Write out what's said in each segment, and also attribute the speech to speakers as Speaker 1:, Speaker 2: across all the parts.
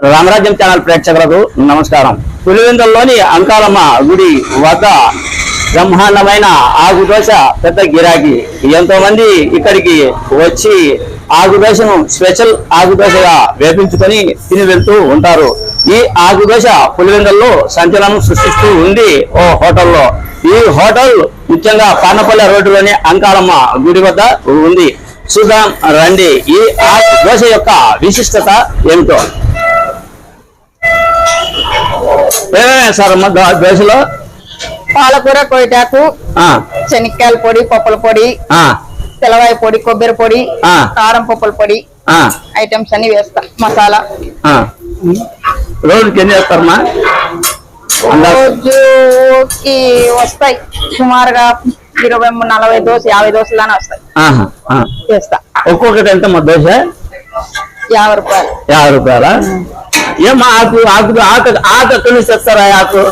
Speaker 1: రామరాజ్యం ఛానల్ ప్రేక్షకులకు నమస్కారం. పులివెందులలోని అంకాలమ్మ గుడి వద్ద బ్రహ్మాండమైన ఆకుదోశ పెద్ద గిరాకీ. ఎంతో మంది ఇక్కడికి వచ్చి ఆకుదోశను స్పెషల్ ఆకుదోశగా వేపించుకొని తిని వెళ్తూ ఉంటారు. ఈ ఆకుదోశ పులివెందులలో సంచలనం సృష్టిస్తూ ఉంది ఓ హోటల్లో. ఈ హోటల్ ముఖ్యంగా పానపల్లె రోడ్డులోని అంకాలమ్మ గుడి వద్ద ఉంది. చూద్దాం రండి ఈ ఆకుదోశ యొక్క విశిష్టత ఏమిటో. ఏమేమి సార్ అమ్మ దోశలో?
Speaker 2: పాలకూర, కొయ్యటాకు, శనక్కాయల పొడి, పప్పుల పొడి, తెల్లవాయి పొడి, కొబ్బరి పొడి, కారం పప్పుల పొడి ఐటమ్స్ అన్ని వేస్తా. మసాలా
Speaker 1: రోజుకి ఎన్ని చేస్తారమ్మా?
Speaker 2: రోజుకి వస్తాయి సుమారుగా 20-40 దోశ 50 దోశలానే వస్తాయి. చేస్తా.
Speaker 1: ఒక్కొక్కటి ఎంత మా దోశ?
Speaker 2: 50 రూపాయలు.
Speaker 1: 50 రూపాయలా? ఏమా ఆకు ఆకు ఆకు ఆకు ఎక్కడి నుంచి తెస్తారా? ఆకు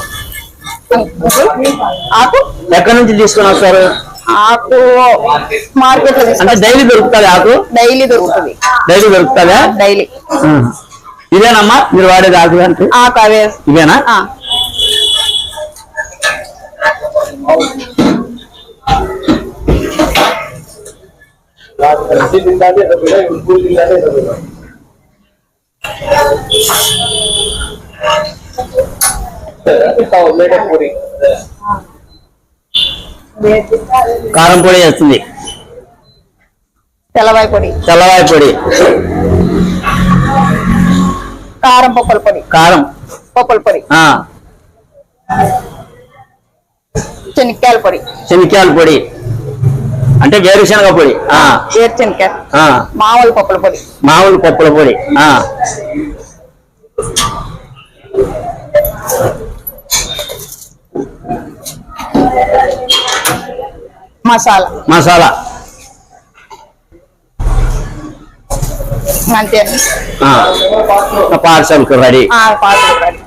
Speaker 2: ఆకు
Speaker 1: ఎక్కడి నుంచి తీసుకుని వస్తారు?
Speaker 2: ఆకు మార్కెట్ లో
Speaker 1: అంటే డైలీ దొరుకుతుంది ఆకు?
Speaker 2: డైలీ దొరుకుతుంది.
Speaker 1: డైలీ దొరుకుతుందా?
Speaker 2: డైలీ.
Speaker 1: ఇదేనమ్మా మీరు వాడేది ఆకు? అంటే
Speaker 2: ఆకు అవే.
Speaker 1: ఇదేనా? కారం పొడి వేస్తుంది,
Speaker 2: తెల్లవాయి పొడి,
Speaker 1: తెల్లవాయి పొడి,
Speaker 2: కారం పప్పుల పొడి,
Speaker 1: కారం
Speaker 2: పప్పుల పొడి, శనక్కాయల పొడి,
Speaker 1: శనక్కాయల పొడి అంటే వేరుశనగ పొడి,
Speaker 2: వేరుశనగ, మామూలు పప్పుల పొడి,
Speaker 1: మామూలు పప్పుల పొడి,
Speaker 2: మసాలా
Speaker 1: మసాలా
Speaker 2: అంతే.
Speaker 1: Parcel ready.
Speaker 2: Parcel ready.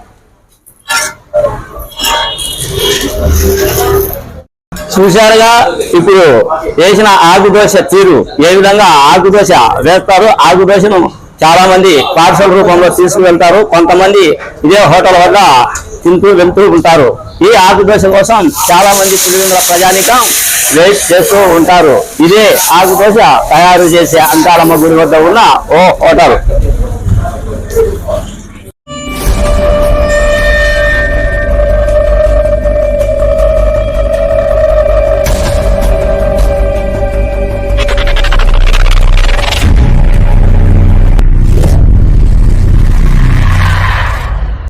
Speaker 1: చూశారుగా ఇప్పుడు వేసిన ఆకుదోశ తీరు, ఏ విధంగా ఆకుదోశ వేస్తారు. ఆకుదోశను చాలా మంది పార్సల్ రూపంలో తీసుకువెళ్తారు, కొంతమంది ఇదే హోటల్ వద్ద తింటూ వెళ్తూ ఉంటారు. ఈ ఆకుదోశ కోసం చాలా మంది పులివెందుల ప్రజానికం వెయిట్ చేస్తూ ఉంటారు. ఇదే ఆకుదోశ తయారు చేసే అంకాలమ్మ గుడి వద్ద ఉన్న ఓ హోటల్.